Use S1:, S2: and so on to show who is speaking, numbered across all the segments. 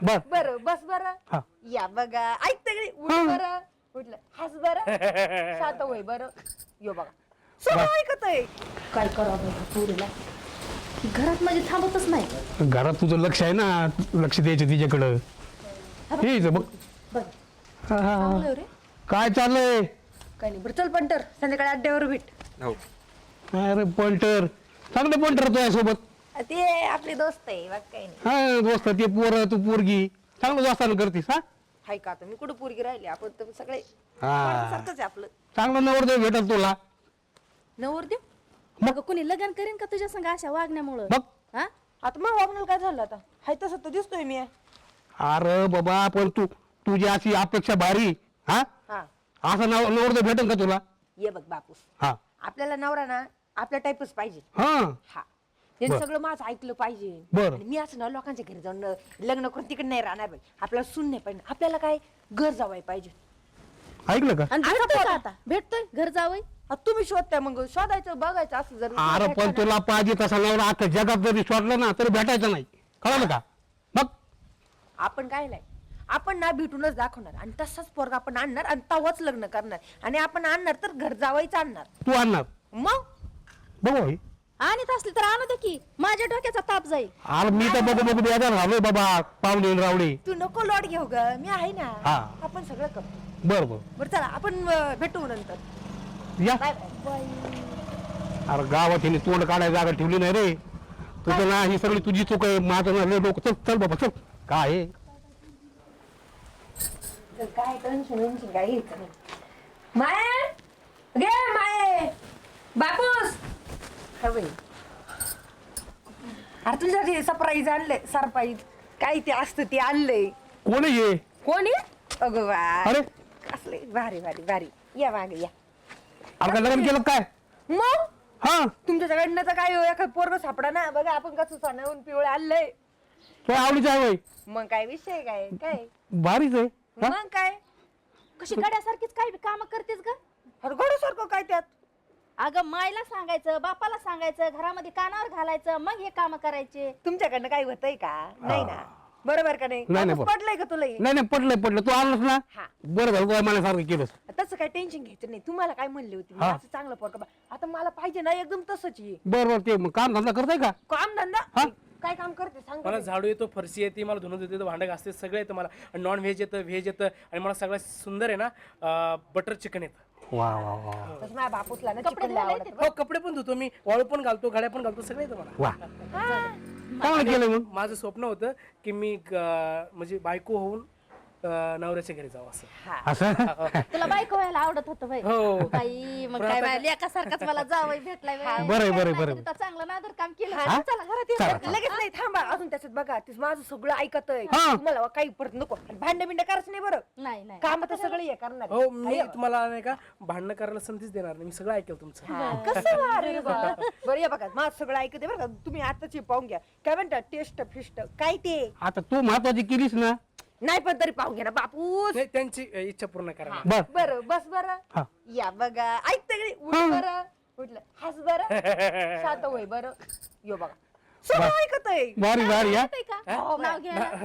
S1: बर
S2: बरं बस बरं
S1: हा.
S2: या बघा ऐक तगडी उठ बरं उठलं हस बरं शांत होय बरं यो बघा सगळं ऐकत आहे
S3: काय करावं पुरीला घरात माझी थांबतच नाही.
S1: घरात तुझं लक्ष आहे ना, लक्ष द्यायचं तिच्याकडं. हे इथं बघ.
S3: बघ
S1: हा, हा.
S3: चांगलं रे.
S1: काय चाललंय?
S2: काय नाही बरं चल पंटर संध्याकाळी अड्ड्यावर भेट
S1: अरे पंटर, चांगलं पंटर तुझ्या सोबत.
S2: ते आपले दोस्त आहे बघ काही नाही
S1: हा दोस्त, ते पोर तू पोरगी चांगलं दोस्तानं करतीस. हा
S2: हाय का आता मी कुठं पोरगी राहिली आपण तर सगळे
S1: हा.
S2: सारखंच आहे आपलं
S1: चांगलं नवरदेव भेटल तुला.
S3: नवर देव मग कोणी लग्न करेन का तुझ्या संग अशा वागण्यामुळं?
S1: बघ.
S3: हा
S2: आता मग वागण्याला काय झालं आता हाय तसं तर दिसतोय मी
S1: अरे बाबा, पण तुझी अशी अपेक्षा भारी. हा
S2: हा
S1: असं नवरदेव भेटेल का तुला?
S2: ये बघ बापूस
S1: हा
S2: आपल्याला नवरा ना आपल्या टाईपच पाहिजे
S1: हा
S2: हा त्यांनी
S1: बर.
S2: सगळं माझं ऐकलं पाहिजे
S1: बर.
S2: आणि मी असं ना लोकांच्या घरी जाऊन लग्न करून तिकडे नाही राहणार पाहिजे आपल्याला सुन नाही पाहिजे आपल्याला काय घर जावाय पाहिजे
S1: ऐकलं का?
S3: आणि
S2: आता
S3: भेटतोय का
S2: बघा.
S3: आता? भेटतोय घर जावई?
S2: आता तुम्ही शोधताय मग शोधायचं बघायचं असं जर
S1: अरे पण तुला पाहिजे तसा नवरा अख्ख्या जगात जरी शोधला ना तरी भेटायचा नाही, कळलं का? बघ
S2: आपण काय नाही आपण ना भेटूनच दाखवणार आणि तसाच पोरगा आपण आणणार आणि तवाच लग्न करणार आणि आपण आणणार तर घर जावायचं आणणार
S1: तू आणणार.
S2: मग
S1: बघू हे.
S3: आणत असली तर आणू दे की, माझ्या डोक्याचा ताप जाईल.
S1: अरे मी तर बघू बघू द्यायला राहिलोय बाबा, पाहुणे रावळे.
S2: तू नको लोट घेऊ ग मी आहे ना
S1: हा.
S2: आपण सगळं करतो
S1: बर बर
S2: बरं चला आपण भेटू नंतर
S1: या.
S2: बाय बाय
S1: अरे गावात हिने तोंड काढायला जागा ठेवली नाही रे. तुझं ना ही सगळी तुझी चूक आहे, माझं ना लय डोकं. चल चल बाबा चल. काय आहे?
S2: तर काय टेन्शन काय घ्यायचं नाही माये गे माये बापूस हवे अरे तुझ्या ते सरप्राईज आणले सरप्राईज काय ते असतं ते आणलंय
S1: कोण आहे हे?
S2: कोणी अगं वा
S1: अरे
S2: असले भारी भारी भारी या मागे या
S1: अरे काय लग्न केलं काय?
S2: मग
S1: हा
S2: तुमच्या सगळ्यांना तर काय एखाद पोरग सापडा ना बघा आपण कसं सणावून पिवळे आणलंय
S1: तो आवडीचं आहे होय?
S2: मग काय विषय काय काय
S1: भारीच आहे. हा?
S2: मग काय
S3: कशी गड्यासारखीच काय काम करतेस ग?
S2: हरगोड्यासारखं काय त्यात
S3: अगं मायला सांगायचं, बापाला सांगायचं, घरामध्ये कानावर घालायचं, मग हे काम करायचे.
S2: तुमच्याकडनं काही होतंय का नाही ना बरोबर का नाही
S1: नाही, नाही,
S2: बापूस पडलंय का तुला हे?
S1: नाही नाही पडलंय तू आणलंस ना.
S2: हा
S1: बरं झालं तुला मनासारखं केलंस.
S2: तसं काय टेन्शन घ्यायचं नाही तुम्हाला काय म्हणले होते मी
S1: हा.
S2: असं चांगलं पोरग आता मला पाहिजे ना एकदम तसंच आहे
S1: बरं ते मग काम धंदा करताय का?
S2: काम धंदा
S1: हा?
S2: काय काम करते सांग
S4: मला झाडू येतो, फरशी येते, मला धुणं येतं, भांडं घासते, सगळं येतं मला. नॉन व्हेज येतं, व्हेज येतं आणि मला सगळ्यात सुंदर आहे ना बटर चिकन येतं.
S1: वा वा वा
S2: तसं माझ्या बापूसला ना
S3: कपडे
S2: चिकन
S3: धुवायला
S2: आवडत
S4: हो कपडे पण धुतो मी, वाळू पण घालतो, घड्या पण घालतो, सगळं येतं मला.
S1: वा. चांगलं केलं मग.
S4: माझं स्वप्न होतं की मी म्हणजे बायको होऊन नवऱ्याच्या घरी जावं असं.
S1: असं
S3: तुला बायको व्हायला आवडत होतं बाई.
S4: हो.
S3: बाई मग काय बाई लेकासारखाच मला जावई भेटलाय बाई.
S1: बरं, बरं,
S3: काय
S1: बरं.
S3: नाही, चांगलं नादर काम केलं.
S1: हा?
S3: चला घरात
S1: चला,
S3: ये.
S1: चला.
S2: लगेच नाही थांबा अजून त्याच्यात बघा ते माझं सगळं ऐकतय
S1: हा.
S2: तुम्हाला काही परत नको भांडे बिंड करायचं नाही बरं
S3: नाही नाही
S2: काम तर सगळं हे करणार
S4: हो मी तुम्हाला नाही का भांडणं करायला संधीच देणार नाही, मी सगळं ऐकेल तुमचं.
S2: हा, कसं भारी बा. बरं या बघा माझं सगळं ऐकते बरं का तुम्ही आताची पाहून घ्या काय म्हणतात टेस्ट फिस्ट काय ते
S1: आता तू महत्वाची केलीस ना.
S2: नाही पण तरी पाहून घ्या ना बापूस
S4: नाही, त्यांची इच्छा पूर्ण करा.
S1: बर
S2: बरं बस बरं
S1: हा.
S2: या बघा ऐक तगडी उठ
S1: हा.
S2: बरं उठलं हस बरं शांत होय बरं यो बघा सगळं ऐकतय
S1: भारी भारी या.
S3: येतंय का? नाव घे ना.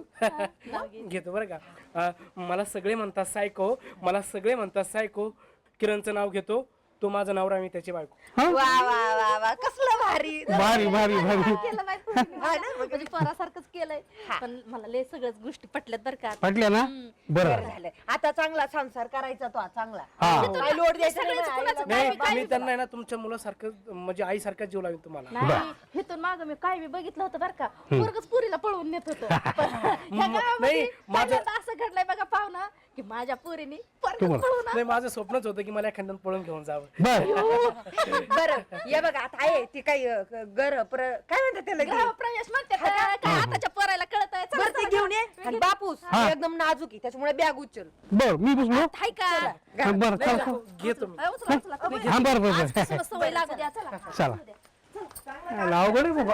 S4: नाव घेऊ घेतो बरं का. मला सगळे म्हणतात सायको, मला सगळे म्हणतात सायको. किरणचं नाव घेतो, तो माझा नवरा, मी त्याची बायको.
S1: हा?
S2: वा वा वा वा कसलं भारी
S1: भारी भारी भारी
S3: केलं बाई पोरीने. म्हणजे पोरासारखंच केलंय. पण मला लय सगळ्याच गोष्टी पटल्यात बरं का.
S1: पटल्या ना.
S2: बरं
S1: बरं
S2: झालं आता चांगला संसार करायचा तो चांगला
S1: हा.
S2: काय लोड द्यायचा नाही
S3: सगळ्याच
S2: ना
S3: कुणाचं
S2: आईला.
S3: काय
S4: नाही मी त्यांना आहे ना तुमच्या मुलासारखं म्हणजे आईसारखं जीव लावेल तुम्हाला.
S3: नाही इथून माग मी काय बी बघितलं होतं बरं का, पोरगच पुरीला पळवून नेत होतं. पण ह्या गावामध्ये
S4: नाही, माझं-
S3: पहिल्यांदा असं घडलंय बघा पाहुणा की माझ्या पोरीने पोरगच
S1: तुम्हाला-
S3: पळवून
S4: नाही माझं स्वप्नच होतं की मला एखाद्यानं पळून घेऊन जावं.
S1: बर
S2: बरं ये बघा आता आहे ती काही काय म्हणतात त्याला ते?
S3: प्रवेश म्हणते काय आताच्या पोरायला कळत
S2: बरं ते घेऊन ये आणि बापूस
S1: हा.
S2: एकदम नाजूक आहे त्याच्यामुळे बॅग उचल
S1: बर मी बसलो.
S3: हाय का
S1: हा, बरं
S4: नाही,
S1: चला
S4: घेतो मी.
S3: उचला, उचला, तुम्ही.
S1: हा बरं बरं बरं
S3: आजपासूनच सवय लागू द्या चला
S1: चला अवघड आहे बाबा.